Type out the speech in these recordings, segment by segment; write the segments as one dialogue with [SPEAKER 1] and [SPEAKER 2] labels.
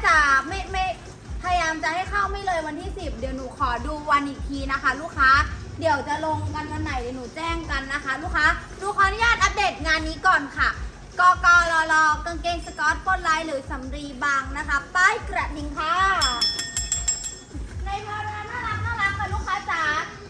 [SPEAKER 1] จะไม่พยายามจะให้เข้าไม่เลยวันที่ 10เดี๋ยวหนูขอดูวันอีกทีนะคะ ลูกค้าเดี๋ยวจะลงกันวันไหนเดี๋ยวหนูแจ้งกันนะคะ ลูกค้าดูขออนุญาตอัปเดตงานนี้ก่อนค่ะกกรลกางเกงสกอตปนลายหรือสำรีบางนะคะป้ายกระดิ่งค่ะในพาราน่ารักค่ะลูกค้าจ๋า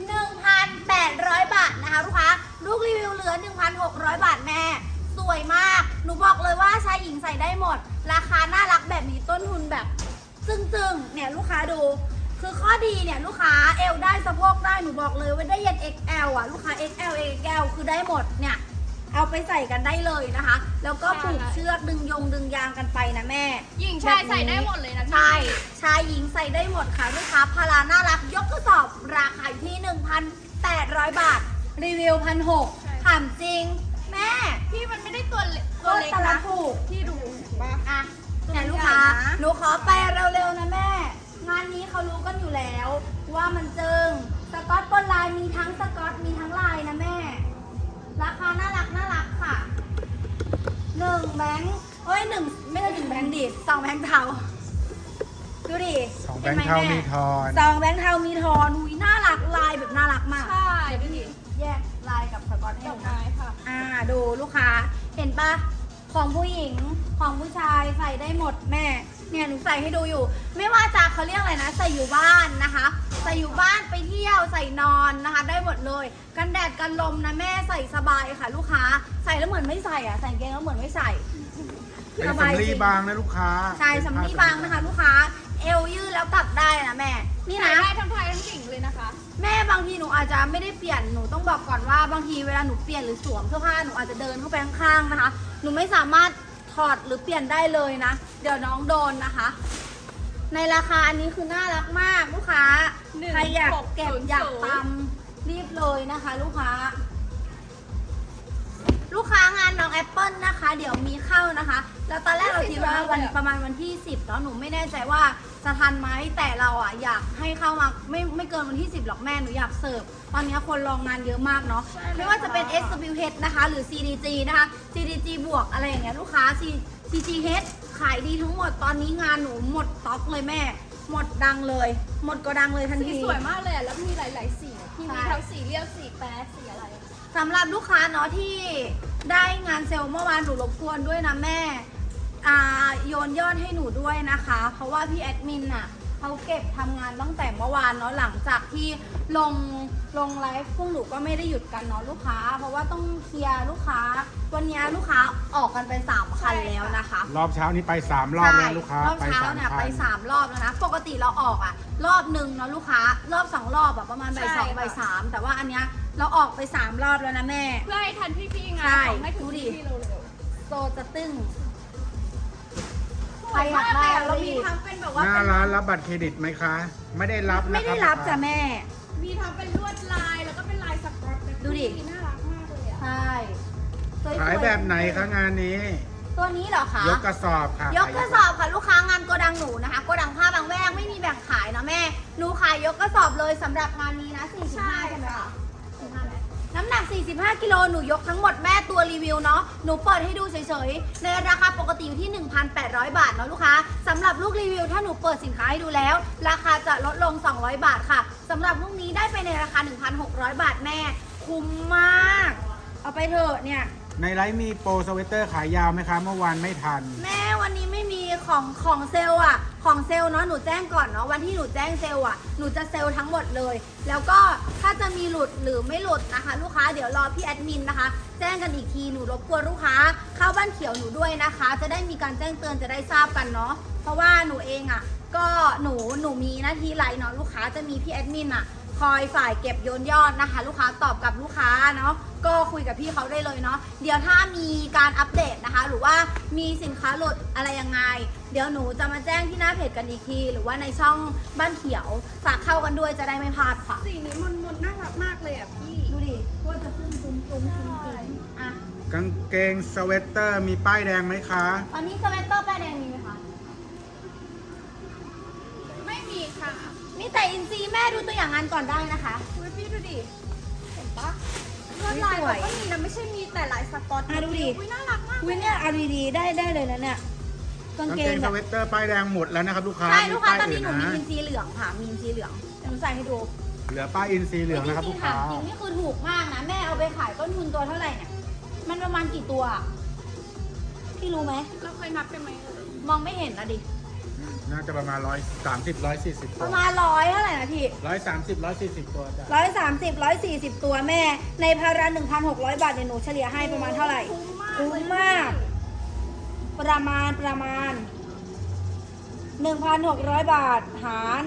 [SPEAKER 1] 1,800 บาทนะคะลูกค้าลูกรีวิวเหลือ 1,600 บาทแม่สวยมากหนูบอกเลยว่าชายหญิงใส่ได้หมดราคาน่ารักแบบนี้ต้นทุนแบบจึ้งเนี่ยลูกค้าดูคือข้อดีเนี่ยลูกค้าเอวได้สะโพกได้หนูบอกเลยว่าได้ยัน XL อ่ะลูกค้า XL XL คือได้หมดเนี่ยเอาไปใส่กันได้เลยนะคะแล้วก็ผูกเชือกดึงยางกันไปนะแม่
[SPEAKER 2] หญิงชายใส่ได้หมดเลยนะ
[SPEAKER 1] ใช่ชายหญิงใส่ได้หมดค่ะลูกค้าพาราน่ารักยกกระสอบราคาอยู่ที่ 1,800 บาทรีวิว 1,600ถามจริงแม่
[SPEAKER 2] พี่มันไม่ได้ตัวเล็ก
[SPEAKER 1] นะถูก
[SPEAKER 2] ที่ดูบ้า
[SPEAKER 1] อ่ะเนี่ยลูกค้าหนูขอไปเร็วๆนะแม่งานนี้เขารู้กันอยู่แล้วว่ามันจึงสกอตบนลายมีทั้งสกอตมีทั้งลายนะแม่ราคาน่ารักค่ะ1แบงค์1ไม่ใช่1แบงค์ดิ2แบงค์เทาดูดิ
[SPEAKER 3] 2แบงค์เทามีทอน
[SPEAKER 1] 2แบงค์เทามีทอนหุยน่ารักลายแบบน่ารักมาก
[SPEAKER 2] ใช่ดูดิ
[SPEAKER 1] แยกลายกับสกอตให้ดูนะ
[SPEAKER 2] ค่ะ
[SPEAKER 1] ดูลูกค้าเห็นปะของผู้หญิงของผู้ชายใส่ได้หมดแม่เนี่ยหนูใส่ให้ดูอยู่ไม่ว่าจะเขาเรียกอะไรนะใส่อยู่บ้านนะคะใส่อยู่บ้านไปเที่ยวใส่นอนนะคะได้หมดเลยกันแดดกันลมนะแม่ใส่สบายค่ะลูกค้าใส่แล้วเหมือนไม่ใส่ใส่เกงแล้วเหมือนไม่ใส่
[SPEAKER 3] เป็นสำลีบางนะลูกค้า
[SPEAKER 1] ใช่สำลีบางนะคะลูกค้าเอวยืดแล้วกลับได้นะแม่นี่นะ
[SPEAKER 2] ได้ทั้งชายทั้งหญิงเลยนะคะ
[SPEAKER 1] แม่บางทีหนูอาจจะไม่ได้เปลี่ยนหนูต้องบอกก่อนว่าบางทีเวลาหนูเปลี่ยนหรือสวมเสื้อผ้าหนูอาจจะเดินเข้าไปข้างๆนะคะหนูไม่สามารถถอดหรือเปลี่ยนได้เลยนะเดี๋ยวน้องโดนนะคะในราคาอันนี้คือน่ารักมากลูกค้าใครอยากเก็บอยากตำรีบเลยนะคะลูกค้างานน้องแอปเปิลนะคะเดี๋ยวมีเข้านะคะแล้วตอนแรกเราคิดว่าประมาณวันที่10เนาะหนูไม่แน่ใจว่าจะทันไหมแต่เราอยากให้เข้ามาไม่เกินวันที่10หรอกแม่หนูอยากเสิร์ฟตอนนี้คนรองงานเยอะมากเนาะไม่ว่าจะเป็น SWH นะคะหรือ CDG นะคะ CDG บวกอะไรอย่างเงี้ยลูกค้า CGH ขายดีทั้งหมดตอนนี้งานหนูหมดต็อกเลยแม่หมดดังเลยหมดก็ดังเลยทันที
[SPEAKER 2] สวยมากเลยแล้วมีหลายๆสีที่มีทั้งสีเรียวสีแป๊ดสีอะไร
[SPEAKER 1] สำหรับลูกค้าเนาะที่ได้งานเซลล์เมื่อวานหนูรบกวนด้วยนะแม่โยนยอดให้หนูด้วยนะคะเพราะว่าพี่แอดมินเขาเก็บทำงานตั้งแต่เมื่อวานเนาะหลังจากที่ลงไลฟ์พวกหนูก็ไม่ได้หยุดกันเนาะลูกค้าเพราะว่าต้องเคลียร์ลูกค้าวันนี้ลูกค้าออกกันไป3คันแล้วนะคะ
[SPEAKER 3] รอบเช้านี้ไป3รอบแล้วลูกค้าร
[SPEAKER 1] อบเช้าเนี่ยไป3รอบแล้วนะปกติเราออกรอบหนึ่งเนาะลูกค้ารอบ2รอบประมาณบ่าย2บ่าย3แต่ว่าอันเนี้ยเราออกไป3รอบแล้วนะแม่
[SPEAKER 2] เพื่อให้ทันพี่ๆงานให้ถึงพี่เร็ว
[SPEAKER 1] โซจะตึ้งใครอยากได้
[SPEAKER 2] เรามีทั้งเป็นแบบว่า
[SPEAKER 3] หน้าร้านรับบัตรเครดิตไหมคะไม่ได้รับ
[SPEAKER 1] ไม่ได้รับจ้ะแม่
[SPEAKER 2] มีทั้งเป็นลวดลายแล้วก็เป็นลายสก๊อต
[SPEAKER 1] ดูดิ
[SPEAKER 2] น่ารักมากเลย
[SPEAKER 1] ใช่
[SPEAKER 3] ขายแบบไหนคะงานนี้
[SPEAKER 1] ตัวนี้เหรอคะ
[SPEAKER 3] ยกกระสอบค่ะ
[SPEAKER 1] ยกกระสอบค่ะลูกค้างานโกดังหนูนะคะโกดังผ้าบางแวกไม่มีแบ่งขายนะแม่หนูขายยกกระสอบเลยสำหรับงานนี้นะ45ใช่ไหมคะน้ำหนัก45กิโลหนูยกทั้งหมดแม่ตัวรีวิวเนาะหนูเปิดให้ดูเฉยๆในราคาปกติอยู่ที่ 1,800 บาทเนาะลูกค้าสำหรับลูกรีวิวถ้าหนูเปิดสินค้าให้ดูแล้วราคาจะลดลง200 บาทค่ะสำหรับลูกนี้ได้ไปในราคา 1,600 บาทแม่คุ้มมากเอาไปเถอะเนี่ย
[SPEAKER 3] ในไลฟ์มีโปรสเวตเตอร์ขายยาวไหมคะเมื่อวานไม่ทัน
[SPEAKER 1] แม่วันนี้ไม่มีของเซลล์ของเซลล์เนาะหนูแจ้งก่อนเนาะวันที่หนูแจ้งเซลล์หนูจะเซลล์ทั้งหมดเลยแล้วก็ถ้าจะมีหลุดหรือไม่หลุดนะคะลูกค้าเดี๋ยวรอพี่แอดมินนะคะแจ้งกันอีกทีหนูรบกวนลูกค้าเข้าบ้านเขียวหนูด้วยนะคะจะได้มีการแจ้งเตือนจะได้ทราบกันเนาะเพราะว่าหนูเองก็หนูมีหน้าที่ไลน์เนาะลูกค้าจะมีพี่แอดมินคอยฝ่ายเก็บโยนยอดนะคะลูกค้าตอบกับลูกค้าเนาะก็คุยกับพี่เขาได้เลยเนาะเดี๋ยวถ้ามีการอัปเดตนะคะหรือว่ามีสินค้าหลุดอะไรยังไงเดี๋ยวหนูจะมาแจ้งที่หน้าเพจกันอีกทีหรือว่าในช่องบ้านเขียวฝากเข้ากันด้วยจะได้ไม่พลาดค่ะ
[SPEAKER 2] สีนี้มันน่ารักมากเลยพี่
[SPEAKER 1] ดูดิว่าจะขึ้นตุ้ม
[SPEAKER 3] กางเกงสเวตเตอร์มีป้ายแดงไหมคะ
[SPEAKER 1] ตอนนี้สเวตเตอร์ป้ายแดงมีไหมคะ
[SPEAKER 2] ไม่มีค่ะ
[SPEAKER 1] มีแต่อินซีแม่ดูตัวอย่างงานก่อนได้นะคะ
[SPEAKER 2] พี่ดูดิเห็นปะลวดลายก็มีนะไม่ใช่มีแต่ลายสก๊อต
[SPEAKER 1] ดูดิ
[SPEAKER 2] น่ารักมาก
[SPEAKER 1] เนี่ยเอาดีๆได้เลยนะเนี่ยกาง
[SPEAKER 3] กาง
[SPEAKER 1] เก
[SPEAKER 3] เก
[SPEAKER 1] ง
[SPEAKER 3] ง
[SPEAKER 1] แบ
[SPEAKER 3] ส
[SPEAKER 1] บ
[SPEAKER 3] เวตเตอร์ป้ายแดงหมดแล้วนะครับลูกค้า
[SPEAKER 1] ใช่ลูกค้า
[SPEAKER 3] ป้ย
[SPEAKER 1] ตอนนี้หนูมี
[SPEAKER 3] ะ
[SPEAKER 1] อินซีเหลืองค่ะมีอินซีเหลืองเดี๋ยวหนูใส่ให้ดู
[SPEAKER 3] เหลือป้ายอินซีเหลืองนะครับ
[SPEAKER 1] จ
[SPEAKER 3] ลู
[SPEAKER 1] ริ
[SPEAKER 3] ก
[SPEAKER 1] งๆ
[SPEAKER 3] ค้า
[SPEAKER 1] ถามจริงนี่คือถูกมากนะแม่เอาไปขายต้นทุนตัวเท่าไหร่เนี่ยมันประมาณกี่ตัวอะพี่รู้ไหม
[SPEAKER 2] เราเคยนับกันไหมเอ่ย
[SPEAKER 1] มองไม่เห็นนะดิ
[SPEAKER 3] น่าจะประมาณ130 140
[SPEAKER 1] ป
[SPEAKER 3] ตัว
[SPEAKER 1] ระมาณ100เท่าไหร่นะพี่
[SPEAKER 3] 130 140 ตัวจ้ะ
[SPEAKER 1] 130 140 ตัวแม่ ในพารา 1,600 บาทเนี่ยหนูเฉลี่ยให้ประมาณเท่าไหร่ คุ้มมาก ประมาณ 1,600 บาท หาร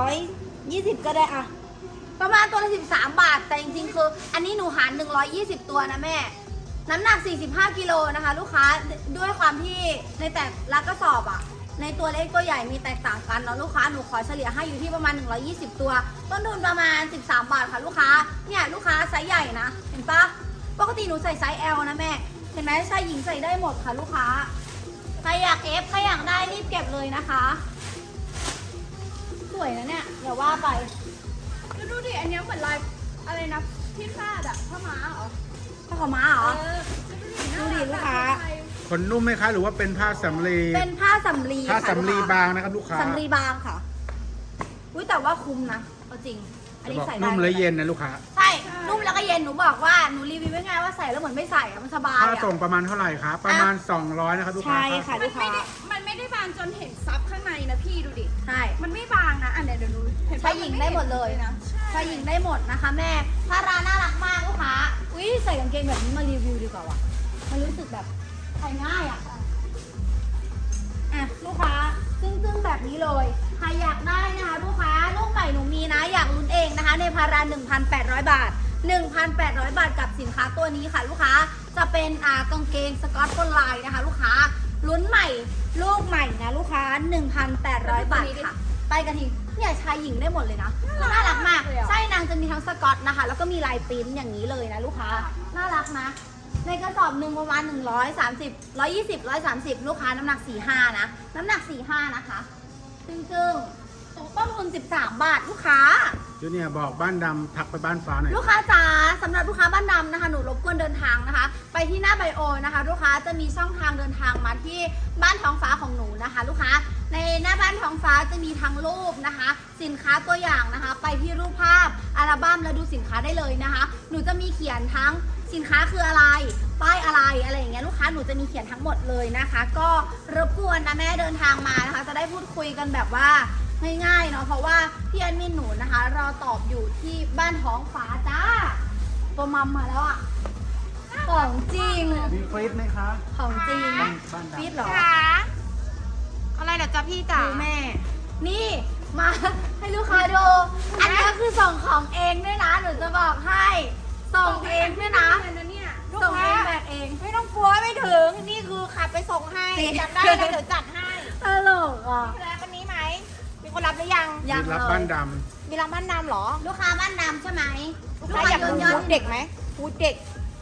[SPEAKER 1] 120 ก็ได้อะประมาณตัวละ13 บาท แต่จริงๆ คืออันนี้หนูหาร120 ตัวนะแม่ น้ำหนัก 45 กิโลนะคะ ลูกค้า ด้วยความที่ในแต่ละกระสอบอะในตัวเล็กตัวใหญ่มีแตกต่างกันเนาะลูกค้า หนูขอเฉลี่ยให้อยู่ที่ประมาณ 120 ตัว ต้นทุนประมาณ 13 บาทค่ะลูกค้า เนี่ยลูกค้าไซส์ใหญ่นะ เห็นปะปกติหนูใส่ไซส์ L นะแม่ เห็นไหมชายหญิงใส่ได้หมดค่ะลูกค้า ใครอยากเอฟใครอยากได้รีบเก็บเลยนะคะ สวยนะเนี่ยเดี๋ยวว่าไป
[SPEAKER 2] แล้วดูดิ อันเนี้ยเหมือนลายอะไรนะที่คาดอะผ้าม้าเหรอ
[SPEAKER 1] ผ้าขาวม้าเหรอ
[SPEAKER 2] แล้ว
[SPEAKER 1] ดูดิลูกค้า
[SPEAKER 3] ขนนุ่มไหมคะหรือว่าเป็นผ้าสำลี
[SPEAKER 1] เป็นผ้าสำลี
[SPEAKER 3] ผ้า
[SPEAKER 1] ค่ะ
[SPEAKER 3] สำลี
[SPEAKER 1] ลูกค้
[SPEAKER 3] บางนะครับลูกค้า
[SPEAKER 1] สำลีบางค่ะ อุ้ยแต่ว่าคุ้มนะเอาจริง อัน
[SPEAKER 3] จะ
[SPEAKER 1] นี้
[SPEAKER 3] บอก
[SPEAKER 1] ใส่ได้
[SPEAKER 3] นุ่มและเย็นนะลูกค้า
[SPEAKER 1] ใช่ นุ่มแล้วก็เย็น หนูบอกว่า หนูรีวิวไว้ไงว่าใส่แล้วเหมือนไม่ใส่อะมันสบาย
[SPEAKER 3] ค่า
[SPEAKER 1] อะ
[SPEAKER 3] ส่งประมาณเท่าไหร่คะประมาณ 200นะครับลูกค้า
[SPEAKER 1] ใช่ค่ะ
[SPEAKER 2] มันไม่ได้มันไม่ได้บางจนเห็นซับข้างในนะพี่ดูดิ
[SPEAKER 1] ใช่
[SPEAKER 2] มันไม่บางนะ อันเนี้ยเดี๋ยวดูเห็นปะ
[SPEAKER 1] ชายหญิงได้หมดเลย
[SPEAKER 2] นะ
[SPEAKER 1] ชายหญิงได้หมดนะคะแม่พาราน่ารักมากลูกค้า อุ้ยใส่กางเกงแบบนี้มารีวิวดีกว่าว่ะ มันรู้สึกแบบใส่ง่ายอ่ะ อ่ะลูกค้าซึ่งแบบนี้เลย ใครอยากได้นะคะลูกค้าลูกใหม่หนูมีนะ อยากลุ้นเองนะคะ ในพารา 1,800 บาท 1,800 บาทกับสินค้าตัวนี้ค่ะ ลูกค้า จะเป็นกางเกงสกอตบนลายนะคะ ลูกค้า ลุ้นใหม่ ลูกใหม่นะลูกค้า 1,800 บาทค่ะ ไปกระทิงเนี่ยชายหญิงได้หมดเลยนะน่ารักมาก ใช่นางจะมีทั้งสกอตนะคะ แล้วก็มีลายปริ้นอย่างนี้เลยนะลูกค้า น่ารักนะ ในกระสอบหนึ่งประมาณ130 120 130 ลูกค้าน้ำหนัก 45 นะ น้ำหนัก 45 นะคะจึงๆต้นทุน 13 บาทลูกค้า
[SPEAKER 3] จูเนียร์บอกบ้านดำทักไปบ้านฟ้าหน่อย
[SPEAKER 1] ลูกค้าจ๋าสำหรับลูกค้าบ้านดำนะคะ หนูรบกวนเดินทางนะคะ ไปที่หน้าไบโอนะคะ ลูกค้าจะมีช่องทางเดินทางมาที่บ้านท้องฟ้าของหนูนะคะ ลูกค้าในหน้าบ้านท้องฟ้าจะมีทั้งรูปนะคะ สินค้าตัวอย่างนะคะ ไปที่รูปภาพอัลบั้มแล้วดูสินค้าได้เลยนะคะ หนูจะมีเขียนทั้งสินค้าคืออะไรป้ายอะไรอย่างเงี้ยลูกค้าหนูจะมีเขียนทั้งหมดเลยนะคะ ก็รบกวนนะแม่เดินทางมานะคะ จะได้พูดคุยกันแบบว่าง่ายๆเนาะเพราะว่าพี่แอดมินหนูนะคะรอตอบอยู่ที่บ้านท้องฟ้าจ้าตัวมัมมาแล้วอ่ะของจริง
[SPEAKER 3] มีฟรีดไหมคะ
[SPEAKER 1] ของจริง
[SPEAKER 3] บ้านดำ
[SPEAKER 1] ฟีดเหรอ
[SPEAKER 2] อะไรเหรอจ๊ะพี่จ๋า
[SPEAKER 1] ดูแม่ นี่มาให้ลูกค้าดูอันนี้คือส่งของเองด้วยนะหนูจะบอกให้ส่งเองด้วยนะ
[SPEAKER 2] เนี่ย
[SPEAKER 1] ส่งเองแบกเอง
[SPEAKER 2] ไม่ต้องกลัวไม่ถึง นี่คือขับไปส่งให้
[SPEAKER 1] จริง
[SPEAKER 2] จำได้แล้วเดี๋ยวจัดให้
[SPEAKER 1] ตลกอ่ะ
[SPEAKER 2] แล้ววันนี้ไหม มีคนรับหรือยัง
[SPEAKER 1] ยั
[SPEAKER 3] มี
[SPEAKER 1] ง
[SPEAKER 3] รับ
[SPEAKER 1] เล
[SPEAKER 3] บ้าน
[SPEAKER 1] ย
[SPEAKER 3] ด
[SPEAKER 2] มีรับบ้านนำเหรอ
[SPEAKER 1] ลูกค้าบ้านดำใช่ไหม
[SPEAKER 2] ลูกค้าอยากดู
[SPEAKER 1] ยอ
[SPEAKER 2] ฮู
[SPEAKER 1] ด
[SPEAKER 2] ดเด็กไหมฮูดเด็ก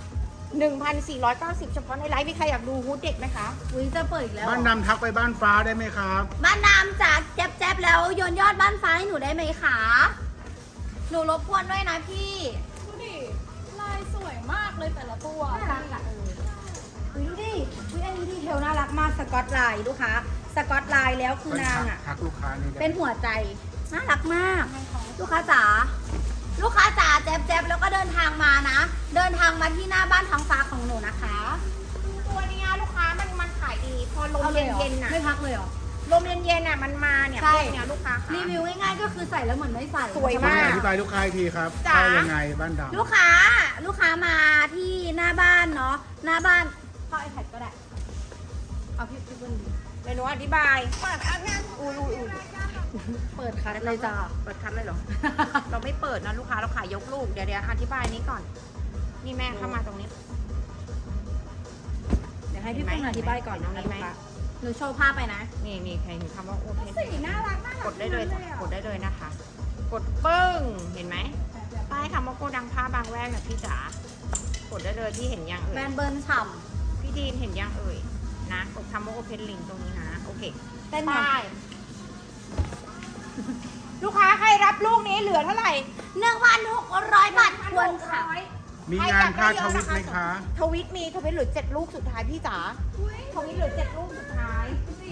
[SPEAKER 2] 1,490 เฉพาะในไลฟ์มีใครอยากดูฮูดเด็กไหมคะ
[SPEAKER 1] อุ้ยจะเปิดอีกแล้ว
[SPEAKER 3] ำบ้านดำทักไปบ้านฟ้าได้ไหมครับ
[SPEAKER 1] บ้านดำจัดแจ๊บๆแล้วโยนยอดบ้านฟ้าให้หนูได้ไหมคะหนูรบกวนด้วยนะพี่
[SPEAKER 2] ดูดิ ลายสวยมากเลยแต่ละตัว
[SPEAKER 1] น่ารักอะ อุ๊ยดูดิอุ๊ยอันนี้ดีเทลน่ารักมากสกอตไลน์ลูกค้าสกอตไลน์แล้วคือนางอ่ะ
[SPEAKER 3] ทักลูกค้านี่ได้
[SPEAKER 1] เป็นหัวใจน่ารักมาก ลูกค้าจ๋าลูกค้าจ๋าแจ๊บๆแล้วก็เดินทางมานะ เดินทางมาที่หน้าบ้านท้องฟ้าของหนูนะคะ
[SPEAKER 2] ตัวเนี้ยลูกค้ามันขายดี พอลม
[SPEAKER 1] อาลหรอ
[SPEAKER 2] เย็นๆน่ะ
[SPEAKER 1] ไม่พักเลยเหรอ
[SPEAKER 2] ลมเย็นๆน่ะมันมาเนี่ย
[SPEAKER 1] ใช่
[SPEAKER 2] พวกเนี้ยลูกค้าค่ะ
[SPEAKER 1] รีวิวง่ายๆก็คือใส่แล้วเหมือนไม่ใส่
[SPEAKER 2] สวย
[SPEAKER 3] คุณ
[SPEAKER 2] มาก
[SPEAKER 3] อธิบายลูกค้าอีกทีครับ
[SPEAKER 2] จ๋า
[SPEAKER 3] เข้ายังไงบ้านดำ
[SPEAKER 1] ลูกค้ามาที่หน้าบ้านเนาะหน้าบ้านเข้า iPad ก็ได้เอาพี่เปิ้ล
[SPEAKER 2] เมนูอธิบายเปิดอันนั้นอุ้ย
[SPEAKER 1] เปิดคัดเลยจ้า
[SPEAKER 2] เปิดคัดเลยเหรอ เราไม่เปิดนะลูกค้าเราขายยกลูก เดี๋ยวอธิบายนี้ก่อน นี่แม่เข้ามาตรงนี้
[SPEAKER 1] เดี๋ยวให้พี่เปิ้ลอธิบายก่อนนะ
[SPEAKER 2] เห็นไหม
[SPEAKER 1] ลูกค้าหนูโชว์ภาพไปนะ
[SPEAKER 2] นี่ใครเห็นคำว่าโอเพน
[SPEAKER 1] สีน่ารักมาก
[SPEAKER 2] กดได้เลยจ้ะกดได้เลยนะคะ กดปึ้ง เห็นไหมป้ายคำว่าโกดังผ้าบางแวกนะพี่จ๋ากดได้เลยที่เห็นยัง
[SPEAKER 1] แบร
[SPEAKER 2] เอ่ย
[SPEAKER 1] นด์เบิร์นฉ่
[SPEAKER 2] พี่ดีนเห็นยังเอ่ยนะกดคำว่าโอเพนลิงตรงนี้นะโอเค
[SPEAKER 1] ำเต้นหน่
[SPEAKER 2] ป้า
[SPEAKER 1] อย
[SPEAKER 2] ยลูกค้าใครรับลูกนี้เหลือเท่าไหร่
[SPEAKER 1] 1,600 บาทควรค่ะ
[SPEAKER 3] มีงานผ้าทวิตไหมคะ
[SPEAKER 2] ทวิตมีทวิตเหลือ7ลูกสุดท้ายพี่จ๋าทวิตเหลือ7ลูกสุดท้ายดูสิ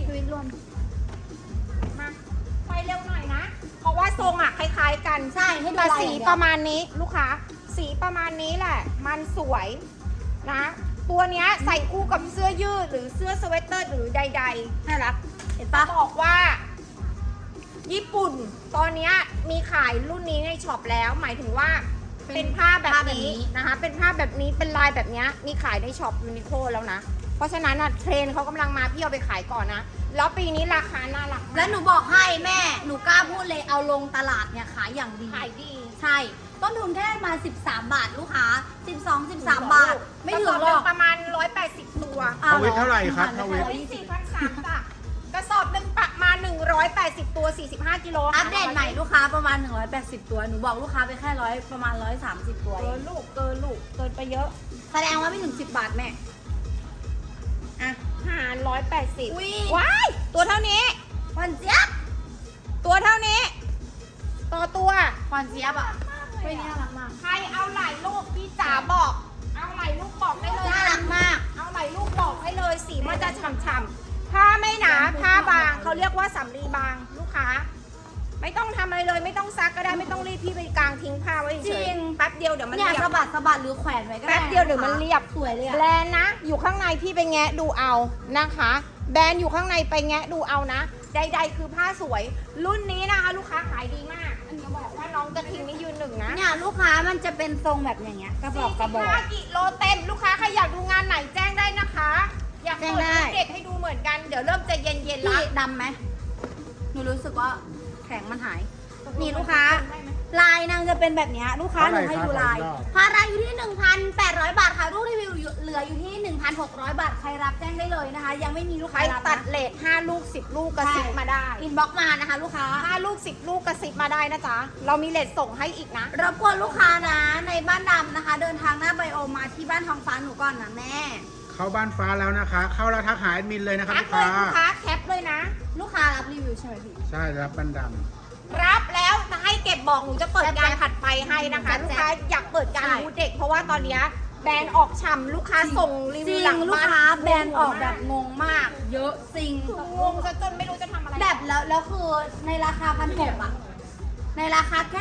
[SPEAKER 1] ชีวิตรวม
[SPEAKER 2] มาไปเร็วหน่อยนะ เพราะว่าทรงอ่ะคล้ายๆกัน
[SPEAKER 1] ใช่ให้ดู
[SPEAKER 2] แต่
[SPEAKER 1] ลาย
[SPEAKER 2] สี
[SPEAKER 1] อย่างเดียว
[SPEAKER 2] ประมาณนี้ลูกค้า สีประมาณนี้แหละ มันสวยนะ ตัวเนี้ยใส่คู่กับเสื้อยืดหรือเสื้อสเวตเตอร์หรือใด
[SPEAKER 1] น่ารัก เห็นปะ
[SPEAKER 2] ๆบอกว่า ญี่ปุ่นตอนเนี้ยมีขายรุ่นนี้ในช็อปแล้ว หมายถึงว่าเป็นผ้าแบบนี้นะคะ เป็นผ้าแบบนี้เป็นลายแบบเนี้ยมีขายในช็อปยูนิโคแล้วนะ เพราะฉะนั้นอ่ะเทรนด์เขากำลังมาพี่เอาไปขายก่อนนะ แล้วปีนี้ราคาน่ารัก
[SPEAKER 1] แล้วหนูบอกให้แม่ หนูกล้าพูดเลยเอาลงตลาดเนี่ยขายอย่างดี
[SPEAKER 2] ขายดี
[SPEAKER 1] ใช่ ต้นทุนแค่มา 13 บาทลูกค้า 12 13 บาท ไม่ถึงหรอก
[SPEAKER 2] ประมาณ 180 ตัว
[SPEAKER 3] ทวิตเท่าไหร่ครับทวิต
[SPEAKER 2] 4,300จ้ะกระสอบหนึ่งประมาณ180 ตัว 45 กิโล
[SPEAKER 1] อัปเดตใหม่ลูกค้าประมาณ 180 ตัว หนูบอกลูกค้าไปแค่ประมาณ 130 ตัว
[SPEAKER 2] เกินลูกเกินไปเยอะ
[SPEAKER 1] แสดงว่าไม่ถึง 10 บาทแม่
[SPEAKER 2] อ่ะหาร180
[SPEAKER 1] อุ๊ย
[SPEAKER 2] ว้ายตัวเท่านี้
[SPEAKER 1] ควันเจี๊ยบ
[SPEAKER 2] ตัวเท่านี้ ต่อตัว
[SPEAKER 1] ควันเจี๊ยบอ่ะไม่น่ารักมาก
[SPEAKER 2] ใครเอาหลายลูกพี่จ๋าบอก เอาหลายลูกบอกได้เลย
[SPEAKER 1] น่ารักมาก
[SPEAKER 2] เอาหลายลูกบอกให้เลยสีมันจะฉ่ำๆผ้าไม่หนาผ้าบางเขาเรียกว่าสำลีบางลูกค้า ไม่ต้องทำอะไรเลยไม่ต้องซักก็ได้ไม่ต้องรีบพี่ไปกางทิ้งผ้าไว้เฉ
[SPEAKER 1] จริ
[SPEAKER 2] ย
[SPEAKER 1] ง
[SPEAKER 2] แป๊บเดียวเดี๋ยวมัน
[SPEAKER 1] เนี่ย
[SPEAKER 2] เรีย
[SPEAKER 1] สะ
[SPEAKER 2] บ
[SPEAKER 1] บัดหรือแขวนไว้ก็ได้
[SPEAKER 2] แป๊บเดียวเดี๋ยวมันเรียบ
[SPEAKER 1] สวยเลย
[SPEAKER 2] แบร
[SPEAKER 1] อ่ะ
[SPEAKER 2] นด์นะ อยู่ข้างในพี่ไปแงะดูเอานะคะ แบรนด์อยู่ข้างในไปแงะดูเอานะ ใดๆคือผ้าสวย รุ่นนี้นะคะ ลูกค้าขายดีมากอันนี้บอกว่าน้องกระทิงนี่ยืนหนึ่งนะ
[SPEAKER 1] เนี่ยลูกค้ามันจะเป็นทรงแบบอย่างเงี้ยกระบอก
[SPEAKER 2] 45กิโลเต็มลูกค้าใครอยากดูงานไหนแจ้งได้นะคะ อยากเปิด
[SPEAKER 1] แจ้งได้
[SPEAKER 2] รูปเด็กให้ดูเหมือนกันเดี๋ยวเริ่มจะเย็นๆ
[SPEAKER 1] พี่
[SPEAKER 2] ละ
[SPEAKER 1] ดำไหมหนูรู้สึกว่าแข็งมันหาย นี่ลูกค้า ลายนางจะเป็นแบบเนี้ยลูกค้าหนูให้ดูลายพาราอยู่ที่ 1,800 บาทค่ะรูปรีวิวเหลืออยู่ที่ 1,600 บาทใครรับแจ้งได้เลยนะคะ ยังไม่มีลูก
[SPEAKER 2] ใค
[SPEAKER 1] ค้าร รับ
[SPEAKER 2] ตัด
[SPEAKER 1] นะ
[SPEAKER 2] เลท5ลูก10ลูกกระซิบมาได้
[SPEAKER 1] อินบ็อกมานะคะ ลูกค้า
[SPEAKER 2] 5ลูก10ลูกกระซิบมาได้นะจ๊ะเรามีเลทส่งให้อีกนะ
[SPEAKER 1] รบกวนลูกค้านะในบ้านดำนะคะ เดินทางหน้าไบโอมาที่บ้านทองฟ้าหนูก่อนนะแม่
[SPEAKER 3] เข้าบ้านฟ้าแล้วนะคะ เข้าแล้วทักหาแอดมินเลยนะครับ
[SPEAKER 2] ทัก
[SPEAKER 3] ลูก
[SPEAKER 2] เลย
[SPEAKER 3] ค้า
[SPEAKER 2] ลูกค้าแคปเลยนะ
[SPEAKER 1] ลูกค้ารับรีวิวใช่ไหมพี่
[SPEAKER 3] ใช่รับบันด
[SPEAKER 2] รับแล้วจะให้เก็บบอกหนูจะเปิดงานถัดไปให้นะคะ
[SPEAKER 1] แจ๊บ
[SPEAKER 2] ลูกค้าอยากเปิดการ
[SPEAKER 1] ใช่
[SPEAKER 2] บูธเด็กเพราะว่าตอนเนี้ยแบรนด์ออกฉ่ำลูกค้าส่งรี
[SPEAKER 1] จ
[SPEAKER 2] วิ
[SPEAKER 1] ริ
[SPEAKER 2] ว
[SPEAKER 1] ง
[SPEAKER 2] หลัง
[SPEAKER 1] ลูก
[SPEAKER 2] บ้าน
[SPEAKER 1] ค้าแบรนด์ออกแบบงงมาก เยอะจริง
[SPEAKER 2] งงซะจนไม่รู้จะทำอะไร
[SPEAKER 1] แบบแล้วคือในราคา1,600อ่ะ ในราคาแค่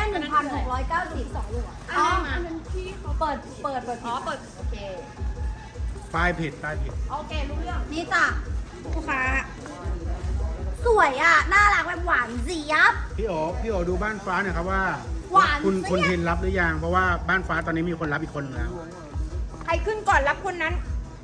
[SPEAKER 1] 1,690 2ลูกอ๋อเปิด
[SPEAKER 2] อ๋อเปิดโอเค
[SPEAKER 3] ำป้ายผิดป้ายผิด
[SPEAKER 2] โอเครู้เรื่อง
[SPEAKER 1] นี่จ้ะลูกค้า สวยอ่ะ น่ารักแบบหวานเจี๊ยบ
[SPEAKER 3] พี่โอดูบ้านฟ้าหน่อยครับว่า
[SPEAKER 1] หวาน
[SPEAKER 3] คุณ
[SPEAKER 1] เสี้ย
[SPEAKER 3] ทินรับหรือยัง เพราะว่าบ้านฟ้าตอนนี้มีคนรับอีกคนนึงแล้ว
[SPEAKER 2] ใครขึ้นก่อนรับคนนั้น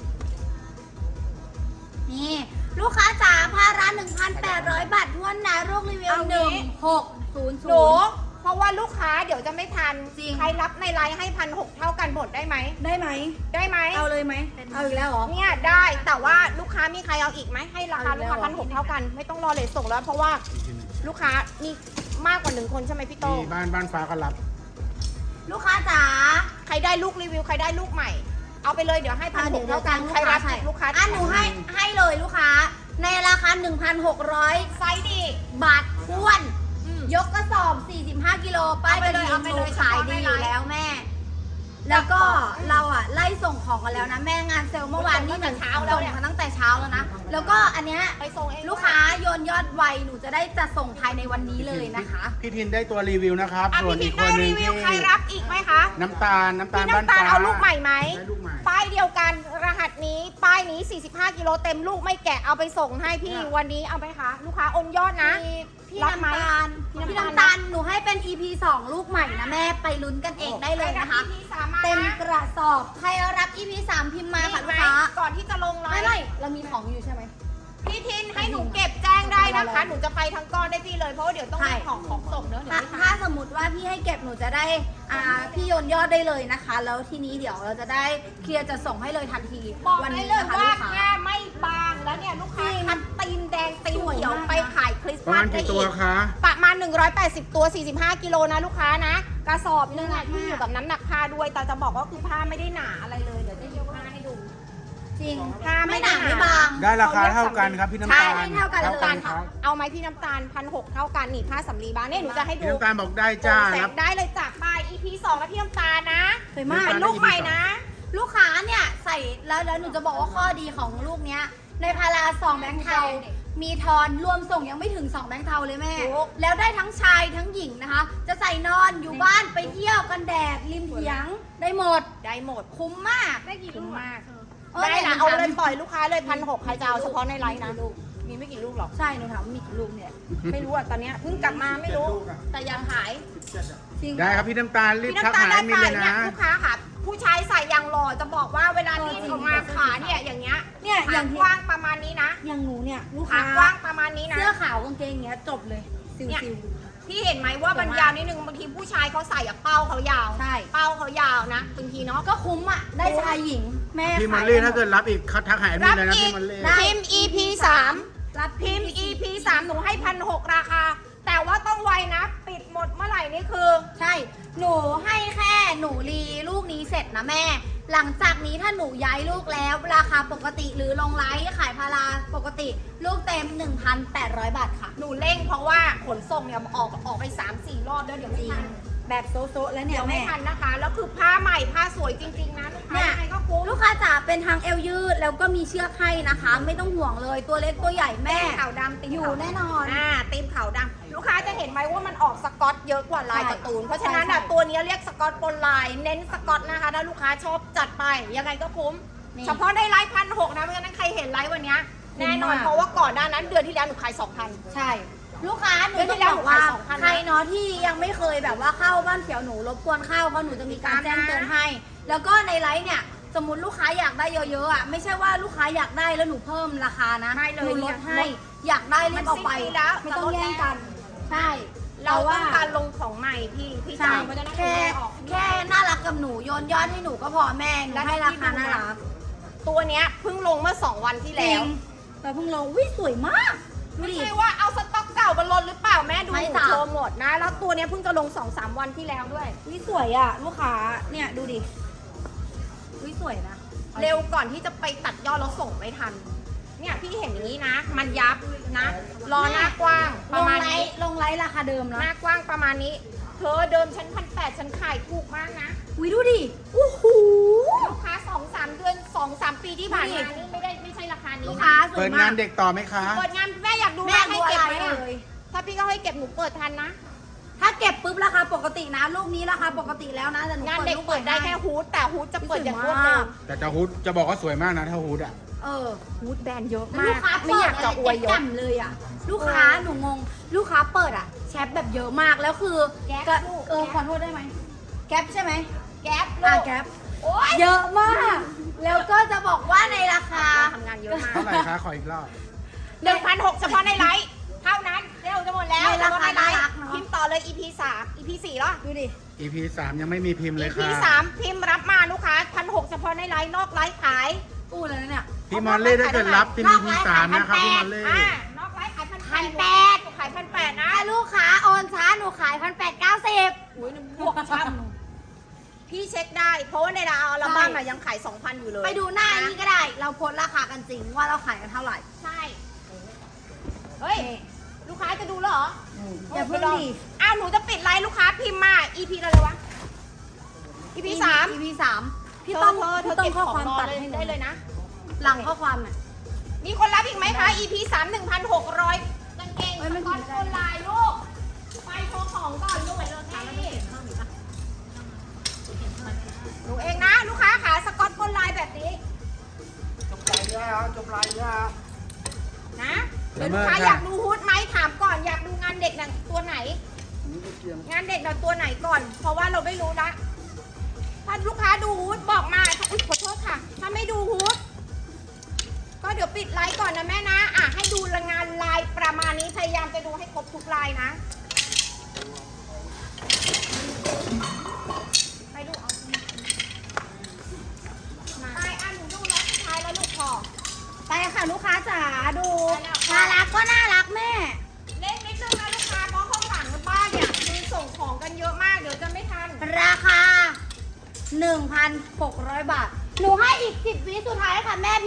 [SPEAKER 1] นี่ลูกค้าจ๋าพาร้าน 1,800 บาททวนนะรูปรีวิว
[SPEAKER 2] เอางี้
[SPEAKER 1] 1600
[SPEAKER 2] หนูเพราะว่าลูกค้าเดี๋ยวจะไม่ทัน
[SPEAKER 1] จริง
[SPEAKER 2] ใครรับในไลน์ให้1,600เท่ากันหมดได้ไหม
[SPEAKER 1] ได้ไหม
[SPEAKER 2] ได้ไหม
[SPEAKER 1] เอาเลยไหม เอาอีกแล้วเหรอ
[SPEAKER 2] เนี่ยได้แต่ว่าลูกค้ามีใครเอาอีกไหมให้ราคา
[SPEAKER 1] เอาอี
[SPEAKER 2] ลู
[SPEAKER 1] ก
[SPEAKER 2] ก
[SPEAKER 1] แล้ว
[SPEAKER 2] ค้า1,600เท่ากัน ไม่ต้องรอเลทส่งแล้ว เพราะว่าลูกค้ามีมากกว่า1คนใช่ไหมพี่โต
[SPEAKER 3] มีบ้านฟ้าก็รับ
[SPEAKER 1] ลูกค้าจ๋า
[SPEAKER 2] ใครได้ลูกรีวิวใครได้ลูกใหม่ เอาไปเลยเดี๋ยวให้1,600เท่ากันใครรับอีกลูกค้า
[SPEAKER 1] อ่ะหนูให้เลยลูกค้า ในราคา 1,600
[SPEAKER 2] ไซส์ดี
[SPEAKER 1] บาททวน ยกกระสอบ 45 กิโลป้ายกระดิ่ง
[SPEAKER 2] เอาไป
[SPEAKER 1] ห
[SPEAKER 2] เล
[SPEAKER 1] นู
[SPEAKER 2] ย
[SPEAKER 1] ขายดีอยู่แล้วแม่ แล้วก็เราอ่ะไล่ส่งของกันแล้วนะ แม่งานเซลล์เมื่อวานนี่หนึ่ง
[SPEAKER 2] เช้าแล้วเนี่ย
[SPEAKER 1] ส่งมาตั้งแต่เช้าแล้วนะ แล้วก็อันเนี้ย
[SPEAKER 2] ไปส่งเอง
[SPEAKER 1] ลูกค้าโยนยอดไวหนูจะได้จะส่งภายในวันนี้เลยนะคะ
[SPEAKER 3] พี่ทินได้ตัวรีวิวนะครับ
[SPEAKER 2] อ่ะ
[SPEAKER 3] ส่วน
[SPEAKER 2] พี่
[SPEAKER 3] อี
[SPEAKER 2] ทิ
[SPEAKER 3] ก
[SPEAKER 2] น
[SPEAKER 3] ค
[SPEAKER 2] ได้
[SPEAKER 3] นหนึ
[SPEAKER 2] รี
[SPEAKER 3] ง
[SPEAKER 2] วิ
[SPEAKER 3] ที่
[SPEAKER 2] วใครรับอีกไหมคะ
[SPEAKER 3] น้ำตาล
[SPEAKER 2] พี่
[SPEAKER 3] บ้าน
[SPEAKER 2] น้ำตา
[SPEAKER 3] ฟ้า
[SPEAKER 2] ลเอาลูกใหม่ไหม
[SPEAKER 3] ได้ลูกใหม่
[SPEAKER 2] ป้ายเดียวกันรหัสนี้ป้ายนี้ 45 กิโลเต็มลูกไม่แกะเอาไปส่งให้พี่วันนี้เอาไหมคะลูกค้าโอนยอดนะ
[SPEAKER 1] พี่
[SPEAKER 2] รับไหม
[SPEAKER 1] น้ำตาล
[SPEAKER 2] พี่
[SPEAKER 1] พี่
[SPEAKER 2] น้ำ
[SPEAKER 1] น้ำ
[SPEAKER 2] ตา
[SPEAKER 1] ตา
[SPEAKER 2] ล
[SPEAKER 1] ลหนูให้เป็น EP 2 ลูกใหม่นะแม่ไปลุ้นกันเองได้เลยนะคะ
[SPEAKER 2] พี่สามารถ
[SPEAKER 1] เต็ม
[SPEAKER 2] นะ
[SPEAKER 1] กระสอบ ใครรับ EP 3 พิมพ์มาค่ะ
[SPEAKER 2] มี
[SPEAKER 1] ลู
[SPEAKER 2] ไหม
[SPEAKER 1] กค้า
[SPEAKER 2] ก่อนที่จะลงไล
[SPEAKER 1] ไม่
[SPEAKER 2] น์
[SPEAKER 1] ไม่เรามีของอยู่ใช่ไหม
[SPEAKER 2] พี่ทินให้หนูเก็บแจ้งได้นะคะ หนูจะไปทั้งก้อนได้พี่เลย เพราะว่าเดี๋ยวต้อง
[SPEAKER 1] ใช่
[SPEAKER 2] มีของส่งเนอะเดี๋ยว
[SPEAKER 1] ถ้า
[SPEAKER 2] ไม่ทั
[SPEAKER 1] ถ้าน สมมติว่าพี่ให้เก็บหนูจะได้พี่โยนยอดได้เลยนะคะ แล้วทีนี้เดี๋ยวเราจะได้เคลียร์จะส่งให้เลยทันที
[SPEAKER 2] บอก
[SPEAKER 1] วั
[SPEAKER 2] ได้
[SPEAKER 1] นี้
[SPEAKER 2] เลย
[SPEAKER 1] นะคะ
[SPEAKER 2] ว่า
[SPEAKER 1] ลูกค้า
[SPEAKER 2] ผ้าไม่บางแล้วเนี่ยลูกค้า
[SPEAKER 1] จริง
[SPEAKER 2] คัดตีนแดงตีน
[SPEAKER 1] สวย
[SPEAKER 2] เขียว
[SPEAKER 1] มาก
[SPEAKER 2] ไปขายคริสต์
[SPEAKER 3] ประ
[SPEAKER 2] มา
[SPEAKER 3] มา
[SPEAKER 2] ส
[SPEAKER 3] ณ
[SPEAKER 2] ได้
[SPEAKER 3] กี่ตั
[SPEAKER 2] อี
[SPEAKER 3] ว
[SPEAKER 2] ก
[SPEAKER 3] คะ
[SPEAKER 2] ประมาณ180 ตัว 45 กิโลนะลูกค้านะ กระสอบนึงอ่ะที่อยู่กับน้ำหนักผ้าด้วย แต่จะบอกว่าคือผ้าไม่ได้หนาอะไรเลย เดี๋ยวจะยกผ้าให้ดู
[SPEAKER 1] จริง
[SPEAKER 2] ผ้าไม่
[SPEAKER 1] ไม่หนา
[SPEAKER 2] หนา
[SPEAKER 1] ไม่บาง
[SPEAKER 3] ได้ราคาเท่ากันครับพี่น้ำตาล
[SPEAKER 1] ใช่เท่ากันเลย
[SPEAKER 3] ครับ
[SPEAKER 2] เอาไหมพี่น้ำตาล1,600เท่ากันนี่ผ้าสำลีบางเนี่ยหนูจะให้ดู
[SPEAKER 3] พี่น้ำตาลบอกได้จ้า
[SPEAKER 2] แส
[SPEAKER 3] รับ
[SPEAKER 2] งได้เลยจากป้าย EP 2 แล้วพี่น้ำตาลนะ
[SPEAKER 1] สวยมาก
[SPEAKER 2] เป็นลูกใหม่นะ
[SPEAKER 1] ลูกค้าเนี่ยใส่แล้วหนูจะบอกว่าข้อดีของลูกเนี้ยในพารา2 แบงค์เทามีทอนรวมส่งยังไม่ถึง2แบงค์เทาเลยแม่
[SPEAKER 2] ถูก
[SPEAKER 1] แล้วได้ทั้งชายทั้งหญิงนะคะ จะใส่นอนอยู่บ้านไปเที่ยวกันแดดริมเถียงได้หมด
[SPEAKER 2] ได้หมด
[SPEAKER 1] คุ้มมาก
[SPEAKER 2] ได้กี่ลูกมาก
[SPEAKER 1] เออ
[SPEAKER 2] ได้นะ
[SPEAKER 1] หนู
[SPEAKER 2] เอา
[SPEAKER 1] ถาม
[SPEAKER 2] เลยปล่อยลูกค้าเลย1,600ใครจะเอาเฉพาะในไลน์นะมีไม่กี่ลูกหรอก
[SPEAKER 1] ใช่หนูถามว่ามีกี่ลูกเนี่ย
[SPEAKER 2] ไม่รู้อ่ะตอนเนี้ยเพิ่งกลับมาไม่รู้
[SPEAKER 3] 7ลูกอะ
[SPEAKER 2] แต่ยังขาย
[SPEAKER 1] จริง
[SPEAKER 3] ได้ครับพี่น้ำตาลรีบ
[SPEAKER 2] พี่
[SPEAKER 3] ทัก
[SPEAKER 2] น้ำตาล
[SPEAKER 3] หา
[SPEAKER 2] ได้
[SPEAKER 3] มิน
[SPEAKER 2] ไป
[SPEAKER 3] เลย
[SPEAKER 2] เนี่ย
[SPEAKER 3] นะ
[SPEAKER 2] ลูกค้าค่ะ ผู้ชายใส่อย่างหล่อจะบอกว่าเวลาที่
[SPEAKER 1] จริง
[SPEAKER 2] ออกมาขาเนี่ยอย่างเงี้ย
[SPEAKER 1] เนี่ยอ
[SPEAKER 2] ขา
[SPEAKER 1] ย่าง
[SPEAKER 2] กว้างประมาณนี้นะ
[SPEAKER 1] อย่างหนูเนี่ยลูก
[SPEAKER 2] ขา
[SPEAKER 1] ค้าก
[SPEAKER 2] ว้างประมาณนี้นะ
[SPEAKER 1] เสื้อขาวกางเกงอย่างเงี้ยจบเลยซิ
[SPEAKER 2] เนี่ยว
[SPEAKER 1] ๆ
[SPEAKER 2] พี่เห็นไหมว่ามันยาวนิดนึงบางทีผู้ชายเขาใส่อะเป้าเขายาว
[SPEAKER 1] ใช่
[SPEAKER 2] เป้าเขายาวนะบางทีเนาะ
[SPEAKER 1] ก็คุ้มอ่ะ ได้ชายหญิง แม่
[SPEAKER 3] พี่มอล
[SPEAKER 1] ขาย
[SPEAKER 3] ลี่
[SPEAKER 1] ได้หม
[SPEAKER 3] ถ้าเกิดรับอีกทักหามินเลยนะพี่มอลลี่
[SPEAKER 1] ได้
[SPEAKER 2] พิมพ์ EP 3
[SPEAKER 1] รับ
[SPEAKER 2] พิมพ์ EP 3หนูให้1,600ราคา แต่ว่าต้องไวนะ ปิดหมดเมื่อไหร่นี่คือ
[SPEAKER 1] ใช่ หนูให้แค่หนูรีลูกนี้เสร็จนะแม่ หลังจากนี้ถ้าหนูย้ายลูกแล้ว ราคาปกติหรือลงไลฟ์ขายพาราปกติ ลูกเต็ม 1,800 บาทค่ะ
[SPEAKER 2] หนูเร่งเพราะว่าขนส่งเนี่ยออกไป 3-4 รอบแล้วเดี๋ยวไม่ทัน
[SPEAKER 1] แบบโซะแล้วเนี่
[SPEAKER 2] เดี๋
[SPEAKER 1] ย
[SPEAKER 2] ยวไม่
[SPEAKER 1] แม่
[SPEAKER 2] ทันนะคะ แล้วคือผ้าใหม่ผ้าสวยจริงๆนะลูกค้า
[SPEAKER 1] เนี่ย
[SPEAKER 2] ยังไงก็คุ้ม
[SPEAKER 1] ลูกค้าจ๋าเป็นทางเอวยืดแล้วก็มีเชือกให้นะคะ ไม่ต้องห่วงเลยตัวเล็กตัวใหญ่แม่
[SPEAKER 2] ขาวดำติม
[SPEAKER 1] อยู่
[SPEAKER 2] ขาว
[SPEAKER 1] แน่นอน
[SPEAKER 2] ติมขาวดำลูกค้าจะเห็นไหมว่ามันออกสกอตเยอะกว่าลาย
[SPEAKER 1] ใช่
[SPEAKER 2] การ์ตูน เพราะฉะนั้น
[SPEAKER 1] ใช่
[SPEAKER 2] ตัวนี้เรียกสกอตปนลาย เน้นสกอตนะคะ ถ้าลูกค้าชอบจัดไป ยังไงก็คุ้ม
[SPEAKER 1] นี่
[SPEAKER 2] เฉพาะได้ไลฟ์1,600นะเพราะฉะนั้นใครเห็นไลฟ์วันเนี้ย
[SPEAKER 1] คุ้ม
[SPEAKER 2] แน่นอน
[SPEAKER 1] มาก
[SPEAKER 2] เพราะว่าก่อนหน้านั้นเดือนที่แล้วหนูขาย 2,000
[SPEAKER 1] ใช่ ลูกค้าหนู
[SPEAKER 2] เดือนที่
[SPEAKER 1] จะ
[SPEAKER 2] แล้ว
[SPEAKER 1] บอกว่า
[SPEAKER 2] หนูขาย2,000
[SPEAKER 1] ใครเนาะที่ยังไม่เคยแบบว่าเข้าบ้านเขียวหนูรบกวนเข้าเพราะหนูจะมีการแจ้งเตือนให้ แล้วก็ในไลฟ์เนี่ยสมมติลูกค้าอยากได้เยอะๆอ่ะไม่ใช่ว่าลูกค้าอยากได้แล้วหนูเพิ่มราคานะ
[SPEAKER 2] ไม่เลย
[SPEAKER 1] หนูลด
[SPEAKER 2] เนี่ย
[SPEAKER 1] ให้ อยากได้รีบเอาไป
[SPEAKER 2] มันสิ้นปีแล้ว
[SPEAKER 1] ไม่ต้องแย่งกัน ใช่
[SPEAKER 2] เรา
[SPEAKER 1] แต่
[SPEAKER 2] ต้องการลงของใหม่พี่
[SPEAKER 1] ใช่
[SPEAKER 2] จ๋าเพราะฉะนั้น
[SPEAKER 1] แค่
[SPEAKER 2] หนูออก
[SPEAKER 1] แค่น่ารักกับหนูโยนยอดให้หนูก็พอแม่หนูให้ราคาน่ารัก
[SPEAKER 2] ตัวเนี้ยเพิ่งลงเมื่อ 2 วันที่
[SPEAKER 1] จ
[SPEAKER 2] แล้
[SPEAKER 1] ริ
[SPEAKER 2] ว
[SPEAKER 1] งแต่เพิ่งลงวิสวยมากดู
[SPEAKER 2] ไม่
[SPEAKER 1] ดิ
[SPEAKER 2] ใช่ว่าเอาสต็อกเก่ามาลดหรือเปล่าแม่ดู
[SPEAKER 1] ไม่จ้ะ
[SPEAKER 2] โชว์หมดนะ แล้วตัวเนี้ยเพิ่งจะลง 2-3 วันที่แล้วด้วย
[SPEAKER 1] วิสวยอ่ะลูกค้าเนี่ยดูดิวิสวยนะ
[SPEAKER 2] เร็วก่อนที่จะไปตัดยอดแล้วส่งไม่ทัน เนี่ยพี่เห็นอย่างนี้นะ มันยับนะ รอหน้ากว้างประมาณนี้
[SPEAKER 1] ลงไลฟ์ราคาเดิม
[SPEAKER 2] ห
[SPEAKER 1] นะ
[SPEAKER 2] น้ากว้างประมาณนี้ เธอเดิมฉัน1,800ฉันขายถูกมากนะ
[SPEAKER 1] วิดูดิโอ้โห
[SPEAKER 2] ลูกค้า 2-3 เดือน 2-3 ปีที่ผ่านมานี่ไม่ใช่ราคานี้
[SPEAKER 1] ลูก
[SPEAKER 2] นะ
[SPEAKER 1] ค้าสว
[SPEAKER 3] เปิ
[SPEAKER 1] ย
[SPEAKER 3] ด
[SPEAKER 1] มาง
[SPEAKER 3] าก นเด็กต่อไหมคะ
[SPEAKER 2] เปิดงานแม่อยากดู
[SPEAKER 1] แม่
[SPEAKER 2] ให้
[SPEAKER 1] ดู
[SPEAKER 2] เก็บ
[SPEAKER 1] อะไร
[SPEAKER 2] ไหม
[SPEAKER 1] เล
[SPEAKER 2] อะ
[SPEAKER 1] ย
[SPEAKER 2] ถ้าพี่ก็ให้เก็บหนูเปิดทันนะ
[SPEAKER 1] ถ้าเก็บปุ๊บราคาปกตินะลูกนี้ราคาปกติแล้วนะแต่หนู
[SPEAKER 2] งานเด็ก
[SPEAKER 1] ลู
[SPEAKER 2] เปิดได้
[SPEAKER 1] ให้
[SPEAKER 2] แค่ฮูดแต่ฮูดจะเปิดอย่างรวด
[SPEAKER 1] สวย
[SPEAKER 2] เร็
[SPEAKER 1] มาว ก
[SPEAKER 3] แต่จะฮูดจะบอกว่าสวยมากนะถ้าฮูดอ่ะ
[SPEAKER 1] เออ
[SPEAKER 2] ฮูดแบรนด์เยอะ
[SPEAKER 1] แล้ว
[SPEAKER 2] มา
[SPEAKER 1] ลู
[SPEAKER 2] ก
[SPEAKER 1] กค้า
[SPEAKER 2] ไม่
[SPEAKER 1] เปิ
[SPEAKER 2] อ
[SPEAKER 1] ด
[SPEAKER 2] ยากจะอวยย
[SPEAKER 1] แจ๊
[SPEAKER 2] ศ
[SPEAKER 1] มเลยอ่ะลูกค้าหนูงงลูกค้าเปิดอ่ะแชทแบบเยอะมากแล้วคือ
[SPEAKER 2] แก๊ป
[SPEAKER 1] ก็
[SPEAKER 2] ลูก
[SPEAKER 1] เออ
[SPEAKER 2] แก๊ป
[SPEAKER 1] ขอโทษได้ไหมแก๊ปใช่ไหม
[SPEAKER 2] แก๊ป
[SPEAKER 1] อ่ะ
[SPEAKER 2] ลูก
[SPEAKER 1] แก๊ป
[SPEAKER 2] โอ๊ย
[SPEAKER 1] เยอะมาก แล้วก็จะบอกว่าในราคา
[SPEAKER 2] ทำงานเยอะมาก
[SPEAKER 3] เท่าไหร่คะขออีกรอบ
[SPEAKER 2] 1,600เฉพาะในไลฟ์เท่านั้นเร็วจะหมดแล้ว
[SPEAKER 1] ในราคา
[SPEAKER 2] เฉพะในไลฟ์
[SPEAKER 1] น่ารักเนอะ
[SPEAKER 2] พิมพ์ต่อเลย EP 3 EP 4แล้ว
[SPEAKER 1] ดูดิ
[SPEAKER 3] EP 3 ยังไม่มีพิมพ์เลย
[SPEAKER 2] EP
[SPEAKER 3] ค่ะ
[SPEAKER 2] 3 พิมพ์รับมาลูกค้า1,600เฉพาะในไลฟ์นอกไลฟ์ขาย
[SPEAKER 1] อู้แล้วนะเนี่ย
[SPEAKER 3] พี่มอลลี่ถ้าเกิดรับเป็น EP 3นะครับพี่มอลลี่
[SPEAKER 2] นอกไลฟ์ขาย
[SPEAKER 1] 1,800
[SPEAKER 2] หนูขาย1,800นะ
[SPEAKER 1] ถ้าลูกค้าโอนช้าหนูขาย1,890
[SPEAKER 2] อุ้ยบวกช่ำพี่เช็คได้ เพราะว่าในดาวอัลบั้มอะยังขาย 2,000 อยู่เลย
[SPEAKER 1] ไปดูหน้านี้ก็ได้ เราโพสต์ราคากันจริงว่าเราขายกันเท่าไหร่
[SPEAKER 2] ใช่ เฮ้ย ลูกค้าจะดูแล้วเหรอ
[SPEAKER 1] อย่าเพิ่งดิ
[SPEAKER 2] อ้าวหนูจะปิดไลน์ลูกค้าพิมพ์มา EP อะไรวะ EP 3
[SPEAKER 1] EP 3พี่ต้อง
[SPEAKER 2] เธ
[SPEAKER 1] พี่
[SPEAKER 2] อ
[SPEAKER 1] ต้อง
[SPEAKER 2] เก็บ
[SPEAKER 1] ข้อ
[SPEAKER 2] ข
[SPEAKER 1] ค
[SPEAKER 2] อ
[SPEAKER 1] วาง ม
[SPEAKER 2] รอ
[SPEAKER 1] ตัด
[SPEAKER 2] เลย
[SPEAKER 1] ให้หนู
[SPEAKER 2] ได้เลยนะ
[SPEAKER 1] หลังข้อความน่ะ
[SPEAKER 2] มีคนรับอีกไหมคะ EP 3 1,600กางเกง
[SPEAKER 1] เอ้ย
[SPEAKER 2] ส
[SPEAKER 1] มัน
[SPEAKER 2] กอต
[SPEAKER 1] ถึงได้
[SPEAKER 2] ออนไลน์ลูก ไปโชว์ของก่อนลูกไปเลยนี่หนูเองนะ ลูกค้าขาสกอตออนไลน์แบบนี้
[SPEAKER 3] จบลายยาจบลายยา
[SPEAKER 2] นะ
[SPEAKER 3] ละ
[SPEAKER 2] เดี๋ยว
[SPEAKER 3] เมิ
[SPEAKER 2] ลู
[SPEAKER 3] ด
[SPEAKER 2] กค้า
[SPEAKER 3] ค่ะ
[SPEAKER 2] อยากดูฮูดไหมถามก่อนอยากดูงานเด็กน่ะตัวไหน งานเด็กเราตัวไหนก่อน เพราะว่าเราไม่รู้นะ ถ้าลูกค้าดูฮูดบอกมาอุ๊ยขอโทษค่ะ ถ้าไม่ดูฮูดก็เดี๋ยวปิดไลฟ์ก่อนนะแม่นะ ให้ดูงานลายประมาณนี้ พยายามจะดูให้ครบทุกลายนะ ไปดูเอาไปหนูดูรอบสุดท้ายแล้วลูกพอ
[SPEAKER 1] ไปค่ะลูกค้าจ๋าดู
[SPEAKER 2] ไปแล้วค่ะ
[SPEAKER 1] น่ารักก็น่ารักแม่
[SPEAKER 2] เล่นนิดนึงนะลูกค้าเพราะข้างหลังบ้านเนี่ยคือส่งของกันเยอะมากเดี๋ยวจะไม่ทัน
[SPEAKER 1] ราคา 1,600 บาท หนูให้อีก10 วิสุดท้ายค่ะแม่